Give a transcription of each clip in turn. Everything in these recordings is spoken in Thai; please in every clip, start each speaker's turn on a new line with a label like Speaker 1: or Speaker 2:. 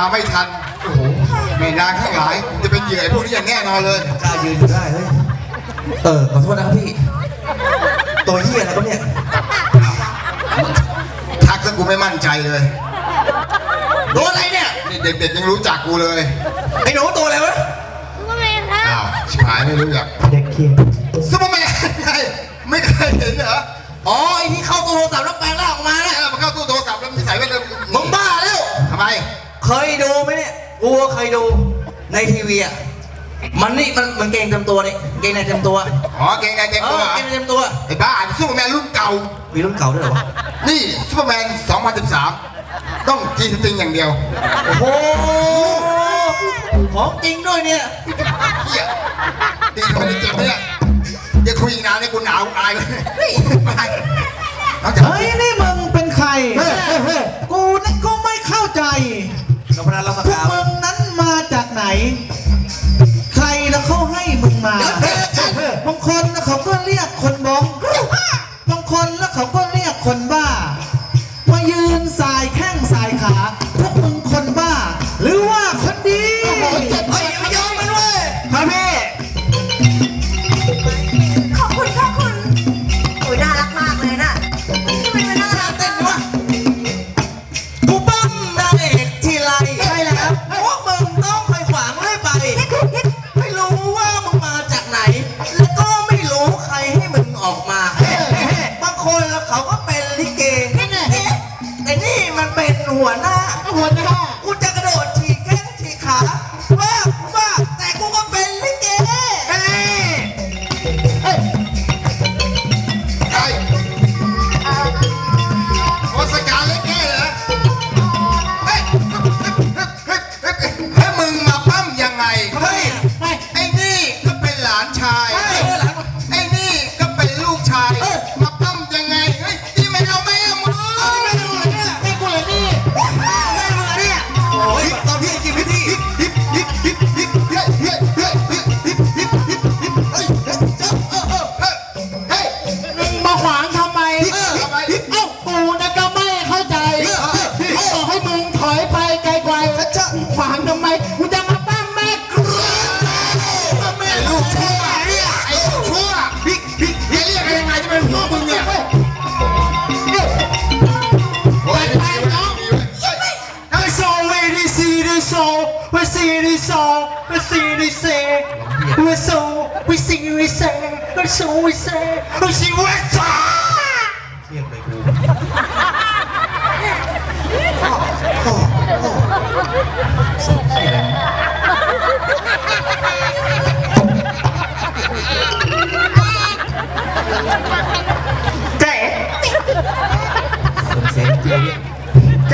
Speaker 1: มาไม่ทันโอ้โหแม่นางข้างหลายจะเป็นเหยื่อพวกนี้อย่างแน่นอนเลย
Speaker 2: กล้ายืนอยู่ได้เฮ้ยขอโทษนะครับพี่ตัวเหี้ยอะไรครับเนี่ย
Speaker 1: ทักซะกูไม่มั่นใจเลย
Speaker 2: โดนอะไรเนี่ย
Speaker 1: นี่เด็กๆยังรู้จักกูเลย
Speaker 2: ไอ้หนูตัวอะไรวะ
Speaker 3: ซูเปอร์แมนครับ
Speaker 1: อ้าวชิบหายไม่รู้จัก
Speaker 4: เด็กเคีย
Speaker 1: ซุปเปอร์แมนไงไม่เคยเห็นเหรอ
Speaker 2: อ๋อไอ้ที่เข้าตัวโทรศัพท์แล้วแปลงร่างออกมา
Speaker 1: เนี่
Speaker 2: เนี่ย ย
Speaker 1: มาเข้าตู้โทรศัพท์แล้วมีสายแว่น
Speaker 2: มึงบ้าแล้ว
Speaker 1: ทำไม
Speaker 2: เคยดูไหมเนี่ยกูก็เคยดูในทีวีอ่ะมันเกงเต็มตัวนี่เกงในเต็มตัว
Speaker 1: อ๋อเกงในเต็มตัวเหรอ
Speaker 2: เกงในเต็มตัว
Speaker 1: ไอ้บ้าซุปเปอร์แมนรุ่นเก่า
Speaker 2: มีรุ่นเก่าด้วยเหรอวะ
Speaker 1: นี่ซุปเปอร์แมน 2013 ต้องจีสติงอย่างเดียว
Speaker 2: โอ้โหของจริงด้วยเนี่ย
Speaker 1: เฮียตีคนนี้เจ็บเนี่ยอย่าคุยอีกนานเลยกูหนาวอายเลยไปเอาจาก
Speaker 4: เฮ้ยนี่มึงเป็นใคร กูนี่ก็ไม่เข้าใจ
Speaker 2: กับพนันเราส
Speaker 4: พว
Speaker 2: กาก ว
Speaker 4: มึงนั้นมาจากไหน ใครแล้วเขาให้มึงมาบางคนแล้วเขาก็เรียกคนบ้องบางคนแล้วเขาก็เรียกคนบ้า มายืนสายแข้งสายขา พวกมึงคนบ้า หรือว่าคนดี
Speaker 2: เฮ้ยไม่ยอมมันเว้ย
Speaker 4: ครับพี่
Speaker 3: ขอบคุณค่ะคุณโอ้ยน่ารักมากเลยนะทำไมมันน่ารัก
Speaker 2: เต้นดิวะกูปั้มนางเอกทีไรใช่แล้วพวกมึงต้องคอยขวางให้ไป ไม่รู้ว่ามึงมาจากไหน แล้วก็ไม่รู้ใครให้มึงออกมาบางคนแล้วเขาก็เป็นลิเกแต่นี่มันเป็นหัวหน้า กูจะกระโดดฉีกแข้งฉีกขาว่าแต่กูก็เป็นลิเก
Speaker 1: ใช่โอสการเล็กแก่เหรอเฮ้ยให้มึงมาปั้มยังไง
Speaker 2: เฮ้ย
Speaker 1: ไอ้นี่ก็เป็นหลานชาย
Speaker 2: เฮ้ยหลาน
Speaker 1: ไอ้นี่ก็เป็นลูกชาย มาปั้มยังไง เฮ้ยที่ไม่เอาแม่มึง
Speaker 2: ไม่ดูเลยเนี่ยไม่กูเลยนี่ไม่ดูเลยเนี่ยโอ้ยตอนพี่จริงพี่ที่
Speaker 4: มาขวางทำไม เอ้าปูนะก็ไม่เข้าใจบอกให้มึงถอยไปไกลๆขวางทำไมกูจะมาปั้มแม่กลัว
Speaker 1: ไอ้ลูกชั่วไอ้ลูกชั่วเรียกกันยังไงจะเป็นพ่อมึงเนี่ยโอ้ยไปน้อง
Speaker 4: โซเวดิซีดิโซเวซีดิโซเวซีดิเซเวโซเวซีดิเซเวโซเวเซเวซีเวซา
Speaker 2: เทียบเลยกู
Speaker 4: เจ๊
Speaker 2: เสียงเจียวเนี่ย
Speaker 4: เจ๊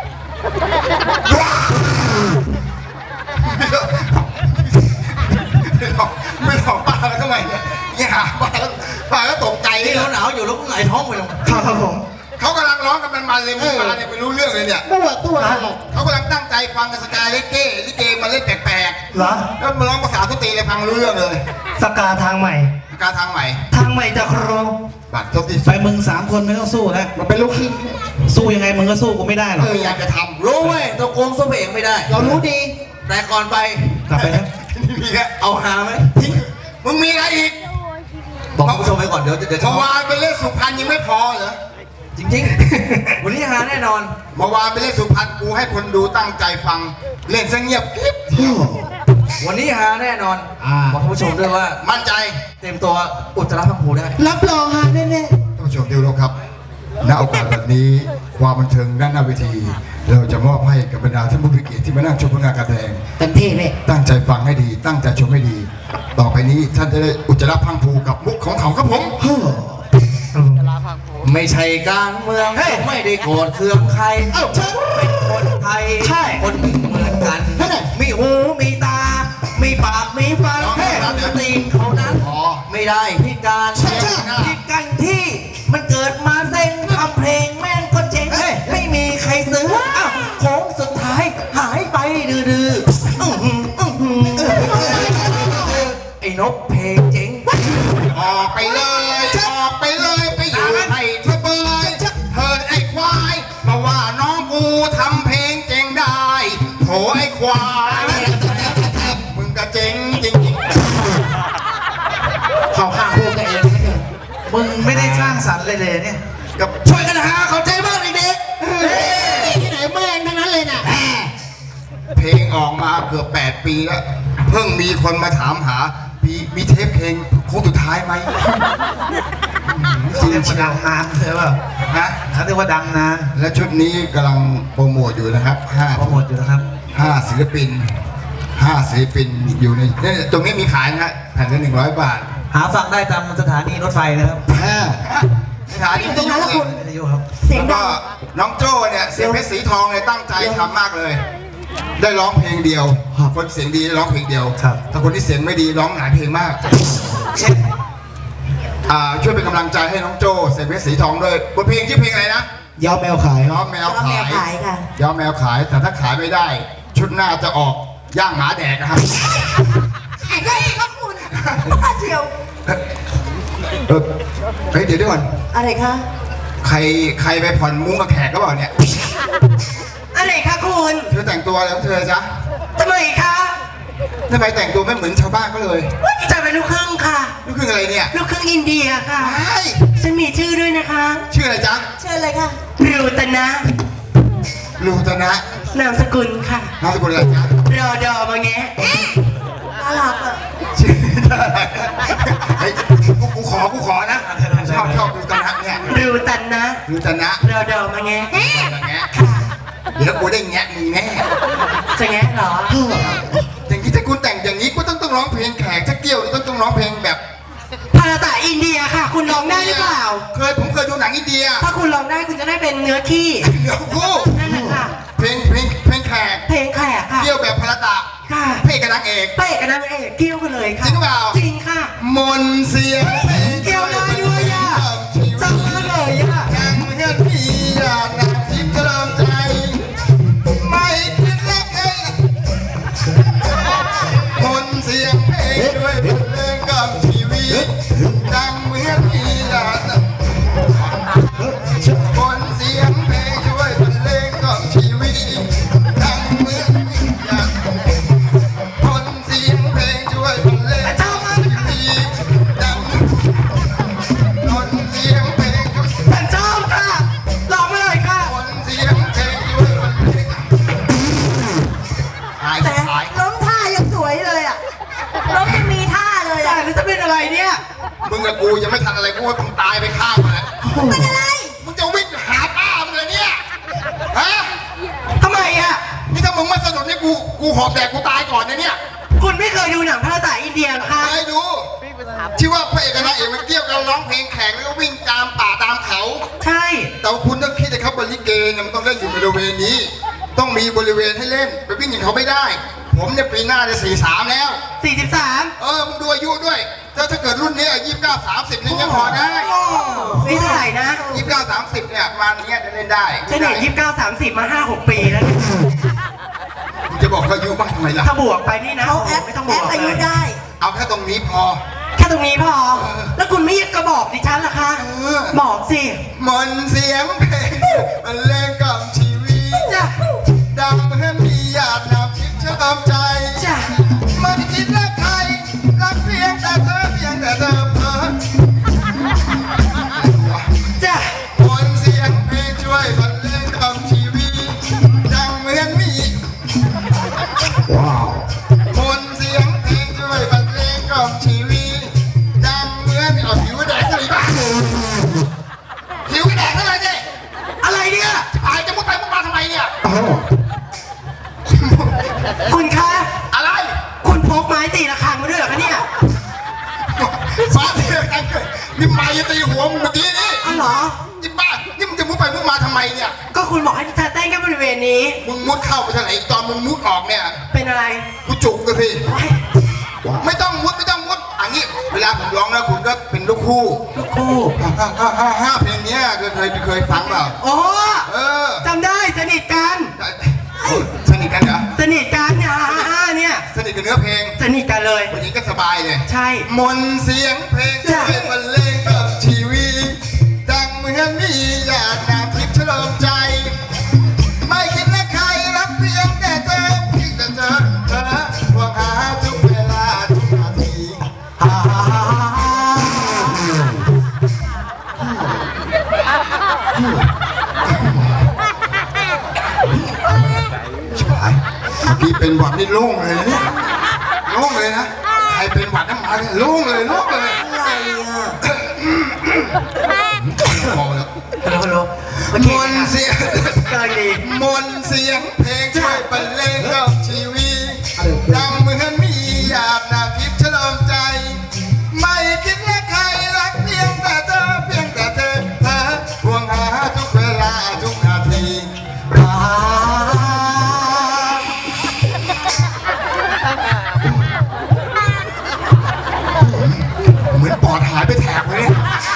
Speaker 1: ไม่หลอกป้าแล้วทำไมเนี่ยอย่าป้าแล้วตกใจ
Speaker 2: นี่
Speaker 1: นี่
Speaker 2: หนาวอยู่แล้วกูหงายท้องไปลง
Speaker 4: ครับผม
Speaker 1: เขากำลังร้องกันมันเลยมึงมาเนี่ยไม่รู้เรื่องเลยเนี่ย
Speaker 4: ตัวอะไร
Speaker 1: เขากำลังตั้งใจฟังกันสกายลิเกมาเล่นแปลก
Speaker 4: เหรอ
Speaker 1: ๆแล้วมาร้องภาษาทุตีเลยฟังรู้เรื่องเลย
Speaker 4: สกาทางใหม่
Speaker 1: การทางใหม่
Speaker 4: ทางใหม่จากครู
Speaker 1: บัตรทุกที
Speaker 4: ไปมึง3 คนไม่ต้องสู้แล้ว
Speaker 1: มันเป็นลูกขี้
Speaker 4: สู้ยังไงมึงก็สู้กูไม่ได้หรอก
Speaker 1: อยากจะทำ
Speaker 2: รู้เว้ยตัวโกงสู้พระเอกไม่ได้
Speaker 4: เรารู้ดี
Speaker 2: แต่ก่อนไป
Speaker 4: กลับไปนะ
Speaker 1: มีแค่
Speaker 2: เอาหาไหม
Speaker 1: มึงมีอะไรอีก
Speaker 2: บอกคุณผู้ชมไปก่อนเดี๋ยว
Speaker 1: เมื่อวานไปเล่นสุพรรณยังไม่พอเหรอ
Speaker 2: จริงๆ วันนี้หาแน่นอน
Speaker 1: เมื่อวานไปเล่นสุพรรณกูให้คนดูตั้งใจฟัง เล่นซะเงียบกริบ
Speaker 2: วันนี้หาแน่นอนบอกคุณผู้ชมด้วยว่า
Speaker 1: มั่นใจ
Speaker 2: เต็มตัวอุจจาระพังผูได้
Speaker 4: รับรองฮะแน่
Speaker 1: ท่านผู้ชมที่เคารพครับณโอกาสแบบนี้ความบันเทิงด้านหน้าเวที เราจะมอบให้กับบรรดาท่านผู้มีเกียรติที่มานั่งชมผลงานการแสดง
Speaker 4: ๆเต็มที่เลย
Speaker 1: ตั้งใจฟังให้ดี ตั้งใจชมให้ดี ต่อไปนี้ท่านจะได้อุจจาระพังผูกับมุกของเขาครับผม
Speaker 2: ไม่ใช่การเมืองไม่ได้โกรธเคืองใครฉันเป็นคนไทยคนหนึ่งเหมือนกัน มีหูมีตา มีปากมีฟันตีนเขานั้นไม่ได้พิการพิการที่มันเกิดมาเซ็งทำเพลงแม่งก็เจ๊งไม่มีใครซื้อโค้งสุดท้ายหายไปดื้อไอ้นกเพลงเจ๊ง
Speaker 1: ออกไปเลยออกไปเลยไปอยู่ให้เธอเบยเธอไอ้ควายมาว่าน้องกูทำเพลงเจ๋งได้โถไอ้ควายมึงกระเจ๋งจริง
Speaker 4: เขาข้างพวกตัวเองนะเนี่ยมึงไม่ได้สร้างสรรค์เลยเนี่ย
Speaker 1: ๆกับช่วยกันหาเข้าใจบ้างเด็ก
Speaker 3: ที่ไหนแม่งทั้งนั้นเลยน่ะ
Speaker 1: ๆเพลงออกมาเกือบ8 ปีแล้วเพิ่งมีคนมาถามหามีเทปเพลงโค้งสุดท้ายไหม
Speaker 4: เขาเรียกว่าดังนานใช่ป่ะ
Speaker 1: ฮะ
Speaker 4: เขาเรียกว่าดังนาน
Speaker 1: และชุดนี้กำลังโปรโมทอยู่นะครับ
Speaker 4: โปรโมทอยู่นะครับ
Speaker 1: 5ศิลปินอยู่ในเนี่ยตรงนี้มีขายนะฮะแผ่นละ100 บาท
Speaker 4: หาฟังได้ตามสถานีรถไฟนะครับ
Speaker 1: สถานีวิทยุอีก
Speaker 4: วิทยุครับ
Speaker 3: เสียง
Speaker 1: แล้ว
Speaker 3: ดั
Speaker 1: ก็
Speaker 3: ง
Speaker 1: น้องโจ้เนี่ยเสียงเพชรสีทองเนี่ยตั้งใจทำมากเลย ได้ร้องเพลงเดียว คนเสียงดีได้ร้องเพลงเดียว
Speaker 4: ครับ
Speaker 1: ถ้าคนที่เสียงไม่ดีร้องหลายเพลงมากช่วยเป็นกำลังใจให้น้องโจ้เสียงเพชรสีทองด้วยบทเพลงชื่อเพลงอะไรนะ
Speaker 4: ยาวแมวขาย
Speaker 1: ย้อมแมว
Speaker 3: เอาแม
Speaker 1: ขา
Speaker 3: วย ขายค่ะ
Speaker 1: ย้อมแมวขายแต่ถ้าขายไม่ได้ ชุดหน้าจะออกย่างหมาแดกนะครับ
Speaker 3: ขายได้ครับคุณป้าเชียว
Speaker 1: เฮ้ยเดี๋ยวก่อน
Speaker 3: อะไรคะ
Speaker 1: ใครไปผ่อนมุ้งกับแขกก็บอกเนี่ย
Speaker 3: อะไรคะคุณ
Speaker 1: เธอแต่งตัวอะไรของเธอจ๊ะ
Speaker 3: ทำไมคะ
Speaker 1: ทำไมแต่งตัวไม่เหมือนชาวบ้านก็เลย
Speaker 3: จะเป็นลูกครึ่งค่ะ
Speaker 1: ลูกครึ่งอะไรเนี่ย
Speaker 3: ลูกครึ่งอินเดียค่ะ
Speaker 1: ไอ้
Speaker 3: ฉันมีชื่อด้วยนะคะ
Speaker 1: ชื่ออะไรจ๊ะ
Speaker 3: เชิญเลยค่ะรูตนะ
Speaker 1: ลูตนะ
Speaker 3: นามสกุลค่ะ
Speaker 1: นามสกุลอะไรจ๊ะ
Speaker 3: รอดอมาแงะน่ารักอ่ะ
Speaker 1: ชื่อเฮ้ยกูขอนะชอบลูตนะเนี่ย
Speaker 3: รูตันนะ
Speaker 1: ลูตนะ
Speaker 3: รอดอมาแงะ
Speaker 1: แงะเดี๋ยวกูได้แงะมึงแน่
Speaker 3: จะแงะเหรอ
Speaker 1: อย่างนี้ถ้าคุณแต่งอย่างนี้กูต้องร้องเพลงแขกสักเกี่ยวต้องร้องเพลงแบบ
Speaker 3: พาราตาอินเดียค่ะ คุณร้องได้หรือเปล่า
Speaker 1: ผมเคยดูหนังอินเดีย
Speaker 3: ถ้าคุณร้องได้คุณจะได้เป็นเนื้อขี้
Speaker 1: เดี๋ยวกู
Speaker 3: นั่นแหละค่ะ
Speaker 1: เพลงแขก
Speaker 3: เพลงแขกค่ะ
Speaker 1: เกี่ยวแบบพลตะ
Speaker 3: ค่ะ
Speaker 1: เพลงกับนางเอก
Speaker 3: เป๊ะกับนางเอกเกี่ยวกันเลยค่ะ
Speaker 1: จริงหรือเปล่า
Speaker 3: จริงค่ะ
Speaker 1: มนต์เสียงเพลง
Speaker 3: เกี่ยวได้ด้วยอ่ะจังมากเลยอ่ะ
Speaker 1: ยังเงินพี่อยากนักทิพย์จะเริ่มใจ ไม่คิดเล็กเองมนต์เสียงเพลงด้วยบทเพลงกับชีวิตดังเหมือนพี่อยากมนต์เสียงเพลงช่วยบรรเลงกับชีวิตดังเหมือนพี่อยากมนต์เสียงเพลงช่วยบรรเลงกับชีวิตดังมนต์เสียงเพลงช่วย
Speaker 3: ฉันชอบค่ะร้องมาเลยค่ะ
Speaker 1: คนเสียงเพลงช่วยบรรเลงหาย
Speaker 3: แต่
Speaker 1: หาย
Speaker 3: ล้มท่ายังสวยเลยอ่ะล้มยังมีท่าเลย
Speaker 2: แต่
Speaker 3: อ่ะ
Speaker 2: นี่จะเป็นอะไรเนี่ย
Speaker 1: มึงกับกูยังไม่ทันอะไรกูว่ามึงตายไปข้างมาแล้ว
Speaker 3: เป็นอะไร
Speaker 1: มึงจะวิ่งหาป้ามึงเลยเนี่ย ฮะ
Speaker 2: ทำไมอ่ะ
Speaker 1: นี่ถ้ามึงไม่สนุกนี่กูหอบแดกกูตายก่อนนะเนี่ย
Speaker 2: คุณไม่เคยดูหนังพระตาอินเดียเหรอคะ
Speaker 1: ไปดู ที่ว่าพระเอกกับนางเอกมันเกี่ยวกันร้องเพลงแข่งแล้วก็วิ่งตามป่าตามเขา
Speaker 2: ใช่
Speaker 1: แต่ว่าคุณต้องคิดนะครับบริเกเนี่ยมันต้องเล่นอยู่บริเวณนี้ ต้องมีบริเวณให้เล่น ไปวิ่งอย่างเขาไม่ได้ ผมเนี่ยปีหน้าจะ43แล้ว
Speaker 2: 43
Speaker 1: มึงดูอายุด้วย ถ้าเกิดรุ่นนี้29 30นี่ยังพอได้
Speaker 2: นี่เท่าไหร่นะ
Speaker 1: 29 30เนี่ยประมาณเนี้ยจะเล่นได้
Speaker 2: ฉันเห็น29 30 มา 5-6 ปีแล้วเนี่ย
Speaker 1: มึงจะบอกเขาอายุมากทำไมล่ะ
Speaker 2: ถ้าบวกไปนี่นะ
Speaker 3: เขาแอป
Speaker 2: ไม่ต้องบ
Speaker 3: แอ
Speaker 2: ว
Speaker 3: ป
Speaker 2: ก
Speaker 3: อา
Speaker 2: เล
Speaker 3: ยุ
Speaker 2: ย
Speaker 3: ได้
Speaker 1: เอาแค่ตรงนี้พอ
Speaker 2: แค่ตรงนี้พอ แล้วคุณไม่กระบอกดิฉันเหรอคะ บอกสิ
Speaker 1: มนต์เสียงเพลงมันเล่นกับชีวิต
Speaker 2: จ้ะ
Speaker 1: ดังเหมือนมีหยาดน้ำทิพย์เชื่อมใจ
Speaker 2: จ้ะ
Speaker 1: ไม่ได้คิดรักใครรักเพียงแต่เธอเพียงแต่เธอเพ้อ
Speaker 2: จ้ะ
Speaker 1: มนต์เสียงเพลงช่วยบรรเลงกับชีวิตดังเหมือนมีว้าวมนต์เสียงเพลงช่วยบรรเลงกับชีวิตดังเหมือนเอาผิวแดงอะไรบ้างผิวแดงอะไรเนี่ย
Speaker 2: อะไรเนี่ย
Speaker 1: หายจะมุดไปมุดมาทำไมเนี่ย
Speaker 2: คุณคะ
Speaker 1: อะไร
Speaker 2: คุณพกไม้ตีระฆังมาด้วยเหรอคะเนี่ย
Speaker 1: ฟ้าเสียกันเลยนี่ไม้ตีหัวมึงเมื่อกี้นี่
Speaker 2: อ๋อเหรอ
Speaker 1: นี่บ้านี่มึงจะมุดไปมุดมาทำไมเนี่ย
Speaker 2: ก็คุณบอกให้ดิฉันเต้นแค่บริเวณนี้
Speaker 1: มึงมุดเข้าไปทางไหนตอนมึงมุดออกเนี่ย
Speaker 2: เป็นอะไร
Speaker 1: กูจุกเลยสิ
Speaker 2: โอ๊ย
Speaker 1: ไม่ต้องมุดอันนี้เวลาผมร้องนะคุณก็เป็นลูกคู่
Speaker 2: ลูกคู่
Speaker 1: ห้าเพลงเนี้ยเคยฟังเปล่า
Speaker 2: โอ้
Speaker 1: เออ
Speaker 2: จำได้สนิทกัน
Speaker 1: สนิทกันเหรอ
Speaker 2: สนิทกันเนี่ย
Speaker 1: สนิทกับเนื้อเพลง
Speaker 2: สนิทกันเลย
Speaker 1: วันนี้ก็สบายเลย
Speaker 2: ใช่
Speaker 1: มนต์เสียงเพลงช่วยบรรเลงกับชีวิตดังเหมือนมีหยาดน้ำทิพย์เฉลิมใจ ไม่คิดและใครรักเพียงแต่เธอพี่เป็นหวัดนี่โล่งเลยนะเนี่ยโล่งเลยนะใครเป็นหวัดน้ำมาเนี่ยโล่งเลยโล่งเลย
Speaker 3: อะไรอ่ะ
Speaker 1: พอแล้ว
Speaker 2: ฮัลโหล
Speaker 1: มนต์เสียง
Speaker 2: เกินดี
Speaker 1: มนต์เสียงเพลงช่วยบรรเลงกับชีวิตดังเหมือนมีหยาดนาทิพย์ฉลองใจ ไม่คิดว่าใครรักเพียงแต่เธอเพียงแต่เธอห่วงหาทุกเวลาทุกนาทีเหมือนปอดหายไปแถบเลยเนี่ย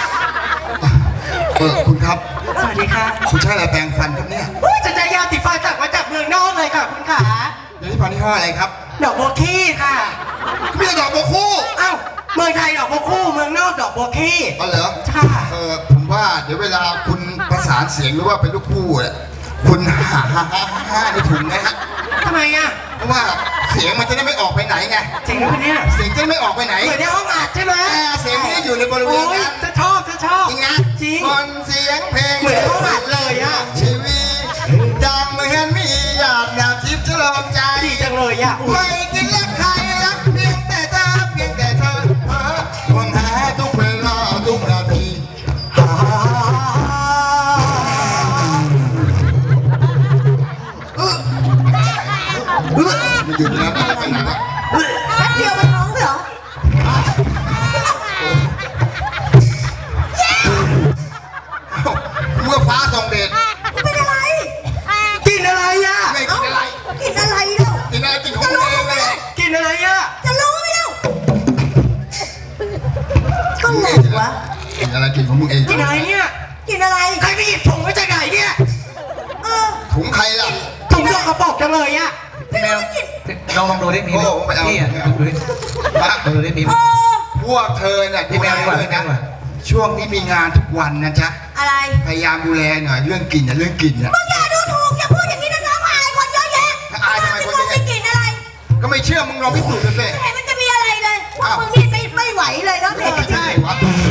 Speaker 1: คุณครับ
Speaker 2: สวัสดีค่ะ
Speaker 1: คุณใช้อะไรแปรงฟันครับเนี่ย
Speaker 2: จะได้ยาติดฟันจากมาจากเมืองนอกเลยค่ะคุณขา
Speaker 1: เดี๋ยวที่พันที่ห้ออะไรครับ
Speaker 2: ดอกบัวขี้ค่ะ
Speaker 1: ไม่ใช่ดอกบัวคู่
Speaker 2: เอ้าเมืองไทยดอกบัวคู่เมืองนอกดอกบัวขี้
Speaker 1: อ๋อเหรอ
Speaker 2: ค่ะ
Speaker 1: ผมว่าเดี๋ยวเวลาคุณประสานเสียงหรือว่าเป็นลูกคู่เนี่ยคุณหาในถุงนะฮะ
Speaker 2: ทำไมอ่ะ
Speaker 1: เพราะว่าเสียงมันจะได้ไม่ออกไปไหนไง
Speaker 2: จริงหรือเปล่าเนี่ย
Speaker 1: เสียงจะได้ไม่ออกไปไหน
Speaker 2: เหมือนในห้องอัดใช่ไหม
Speaker 1: เสียงไม่ได้อยู่ในบริเว
Speaker 2: โอ้
Speaker 1: ณ
Speaker 2: ย
Speaker 1: นั้น
Speaker 2: จะชอบจะชอบ
Speaker 1: จริงนะ
Speaker 2: จริง
Speaker 1: คนเสียงเพลง
Speaker 2: เหมือนเขาอัดเลยอะ
Speaker 1: ชีวิตดังเหมือนมีหยาดน้ำทิพย์ฉลองใจ
Speaker 2: ดีจังเลยอ่ะอุ๊ย
Speaker 1: ไม่คิดรักใครรักเพียงแต่เธอเพียงแต่เธอห่วงหาทุกเวลาทุกนาทีมันหยุดแล้วไปไหนแล้ว
Speaker 3: แป๊บเดียวมันร้องเหรอ
Speaker 1: เมื่อฟ้าส่องเดช
Speaker 3: มันเป็นอะไร
Speaker 2: กินอะไรอ่ะ
Speaker 1: ไม่กินอะไร
Speaker 3: กินอะไรเล่า
Speaker 1: กินอะไรกินของตัวเองเลย
Speaker 2: กินอะไรอ่ะ
Speaker 3: จะรู้ไหมเล่าก็งงวะ
Speaker 1: กินอะไรกินของมึงเอง
Speaker 2: กินอะไรเนี่ย
Speaker 3: กินอะไร
Speaker 2: ใครไปหยิบถุงมาจากไหนเนี่ย
Speaker 3: เออ
Speaker 1: ถุงใครล่ะ
Speaker 2: ถุงยกกระบอกจังเลยอ่ะ
Speaker 4: พี่แมวลองดูดิมีไหม
Speaker 1: โอ้ไม่เอา
Speaker 4: พี่อ่ะดูดิ
Speaker 1: มา
Speaker 4: ดูดิมีไหม
Speaker 3: โอ้
Speaker 1: พวกเธอเนี่ย
Speaker 4: พี่แมวดีกว่า
Speaker 1: เลย
Speaker 4: พี่แม
Speaker 1: นะ
Speaker 4: วดีกว่า
Speaker 1: ช่วงนี้มีงานทุกวันนะจ๊ะ
Speaker 3: อะไร
Speaker 1: พยายามดูแลหน่อยเรื่องกินนะเรื่องกินนะ
Speaker 3: มึงอย่าดูถูกอย่าพูดอย่างนี้นะน้องอายคนเยอะแยะ
Speaker 1: อายทำไมคนเยอะแยะ
Speaker 3: ไม่กินอะไร
Speaker 1: ก็ไม่เชื่อมึงลองพิสูจน์ดูสิ
Speaker 3: ไม่เห็นมันจะมีอะไรเลยพวกมึงนี่ไม่ไหวเลยเนาะเด็ก
Speaker 1: ใช่วะ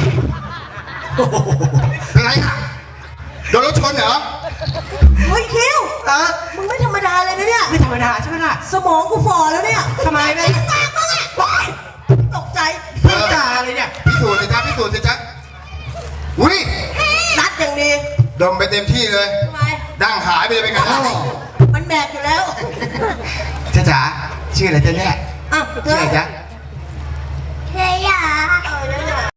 Speaker 1: เป็นไรอ่ะโดนรถชนเหรอ
Speaker 3: เฮ้ยคิว
Speaker 2: เออ
Speaker 3: มึงไม่ธรรมดาเลยนะเนี่ย
Speaker 2: ไม่ธรรมดาใช่ไหมล่ะ
Speaker 3: สมองกูฝ่อแล้วเนี่ย
Speaker 2: ทำไมไม่
Speaker 3: ปากมึงอ่ะตกใจ
Speaker 2: พูดจาอะไรเนี่ย
Speaker 1: พิสูจน์สิจ๊ะพิสูจน์สิจ๊ะอุ้ย
Speaker 3: นัดอย่างดี
Speaker 1: ดมไปเต็มที่เลย
Speaker 3: ทำไม
Speaker 1: ดั้งหายไปเลยเป็นไงล่ะ
Speaker 3: มันแบกอยู่แล้ว
Speaker 1: จ๊ะจ๋าชื่ออะไรจ๊ะเนี่ย
Speaker 3: อ่ะ
Speaker 1: ชื่ออะไรจ๊ะ